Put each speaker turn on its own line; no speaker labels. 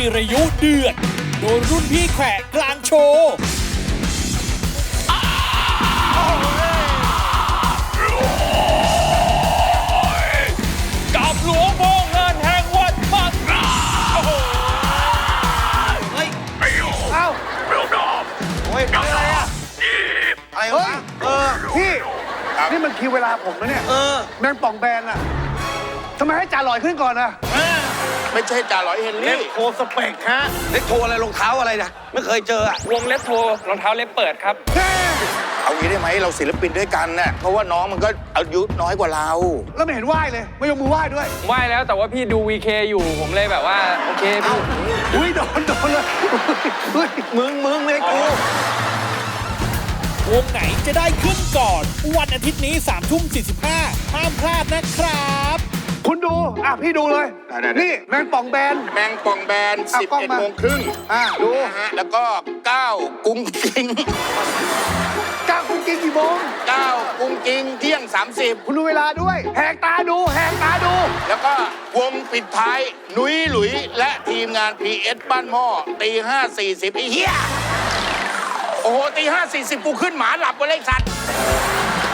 จิรายุเดือดโดนรุ่นพี่แขวะกลางโชว์กับหลวงพ่องานแห่งวัดมังกร
เฮ้ยเอ้าโอ้ยอะไรอะอะไรวะ
พี่นี่มันคิวเวลาผมนะเนี่ยแมงป่องแบนอะทำไมให้จ่าลอยขึ้นก่อนอะ
ไม่ใช่จ่าหลอยเฮน
เล็
รี่
บโทสเปกฮะเล็บโทอะไรรองเท้าอะไรนะไม่เคยเจออะ
วงเล็บโทรองเท้าเล็บเปิดครับ
เอางี้ได้ไหมเราศิลปินด้วยกันน่ะเพราะว่าน้องมันก็อายุน้อยกว่าเรา
แล้วไม่เห็นไหว้เลย ไม่ยกมือไหว้ด้วย
ไหว้แล้วแต่ว่าพี่ดู VK อยู่ผมเลยแบบว่า โอเคพี่
อุ้ยโดนเลยอุ้ย
มึงเลยกู
วงไหนจะได้ขึ้นก่อน วันอาทิตย์นี้3:45ห้ามพลาดนะครับ
คุณดูพี่ดูเลยนี่แมงป่องแบน
แมงป่องแบน
กล้องมา
11:30
ดู
นะฮะแล้วก็9กุ้งกิ้ง
ก้าวคุณกินกี่โมง
9กุ้งกิ้งเที่ยง 30
คุณดูเวลาด้วยแหกตาดู
แล้วก็วงปิดท้ายหนุยหลุยและทีมงาน PS บ้านหม้อ5:40ไอ้เหี้ยโอ้โห5:40กูขึ้นหมาหลับไปเลยสัตว์